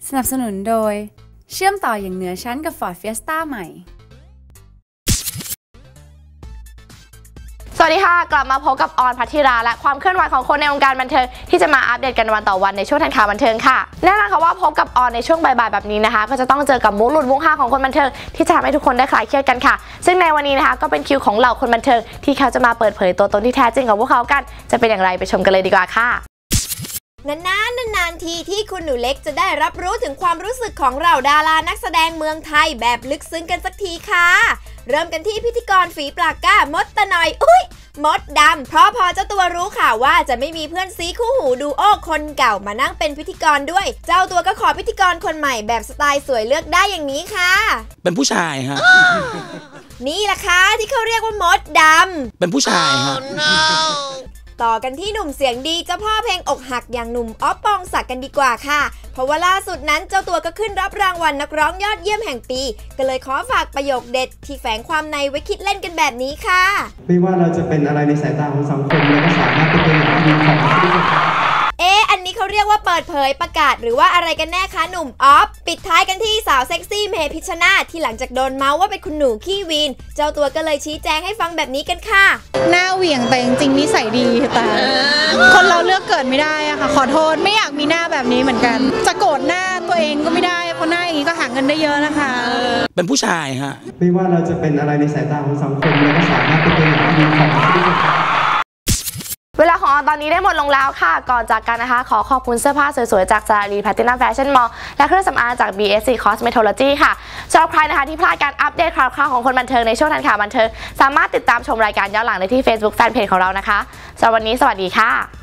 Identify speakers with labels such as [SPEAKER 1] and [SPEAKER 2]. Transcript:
[SPEAKER 1] สนับสนุนโดยเชื่อมต่ออย่างเหนือชั้นกับ Ford Fiesta ใหม่
[SPEAKER 2] สวัสดีค่ะกลับมาพบกับออนภัททิราและความเคลื่อนไหวของคนในวงการบันเทิงที่จะมาอัปเดตกันวันต่อวันในช่วงทันข่าวบันเทิงค่ะแน่นอนค่ะว่าพบกับออนในช่วงบ่ายๆแบบนี้นะคะก็จะต้องเจอกับมุกหลุดมุกฮาของคนบันเทิงที่จะทำให้ทุกคนได้คลายเครียดกันค่ะซึ่งในวันนี้นะคะก็เป็นคิวของเหล่าคนบันเทิงที่เขาจะมาเปิดเผยตัวตนที่แท้จริงของพวกเขากันจะเป็นอย่างไรไปชมกันเลยดีกว่าค่ะ
[SPEAKER 3] นานทีที่คุณหนูเล็กจะได้รับรู้ถึงความรู้สึกของเราดารานักแสดงเมืองไทยแบบลึกซึ้งกันสักทีค่ะเริ่มกันที่พิธีกรฝีปากกล้ามดตะหน่อยมดดำเพราะพอเจ้าตัวรู้ข่าวว่าจะไม่มีเพื่อนซีคู่หูดูโอคนเก่ามานั่งเป็นพิธีกรด้วยเจ้าตัวก็ขอพิธีกรคนใหม่แบบสไตล์สวยเลือกได้อย่างนี้ค่ะ
[SPEAKER 4] เป็นผู้ชายฮะ
[SPEAKER 3] นี่แหละค่ะที่เขาเรียกว่ามดดำ
[SPEAKER 4] เป็นผู้ชายฮะ
[SPEAKER 3] ต่อกันที่หนุ่มเสียงดีเจ้าพ่อเพลงอกหักอย่างหนุ่มอ๊อฟปองศักดิ์กันดีกว่าค่ะเพราะว่าล่าสุดนั้นเจ้าตัวก็ขึ้นรับรางวัลนักร้องยอดเยี่ยมแห่งปีก็เลยขอฝากประโยคเด็ดที่แฝงความในไว้คิดเล่นกันแบบนี้ค่ะ
[SPEAKER 5] ไม่ว่าเราจะเป็นอะไรในสายตาของสังคมเราก็สามารถเป็นตัวอย่างที่ดีของทุกคน
[SPEAKER 3] อันนี้เขาเรียกว่าเปิดเผยประกาศหรือว่าอะไรกันแน่คะหนุ่มออฟปิดท้ายกันที่สาวเซ็กซี่เมพิชชนาธิ์ที่หลังจากโดนเมาส์ว่าเป็นคุณหนูขี้วีนเจ้าตัวก็เลยชี้แจงให้ฟังแบบนี้กันค่ะ
[SPEAKER 6] หน้าเหวี่ยงแต่จริงๆนิสัยดีแต่คนเราเลือกเกิดไม่ได้อะค่ะขอโทษไม่อยากมีหน้าแบบนี้เหมือนกันจะโกรธหน้าตัวเองก็ไม่ได้เพราะหน้าอย่างนี้ก็หาเงินได้เยอะนะคะ
[SPEAKER 4] เป็นผู้ชายฮะ
[SPEAKER 5] ไม่ว่าเราจะเป็นอะไรในสายตาของสังคมเราก็สามารถเป็นตัวอย่างที่ดีของทุกคน
[SPEAKER 2] เวลาของออนตอนนี้ได้หมดลงแล้วค่ะก่อนจากกันนะคะขอขอบคุณเสื้อผ้าสวยๆจากซารีแพลตินัมแฟชั่นมอลล์และเครื่องสำอางจาก BSC Cosmetology ค่ะสำหรับใครนะคะที่พลาดการอัปเดตข่าวของคนบันเทิงในช่วงทันข่าวบันเทิงสามารถติดตามชมรายการย้อนหลังได้ที่ Facebook Fanpage ของเรานะคะสำหรับวันนี้สวัสดีค่ะ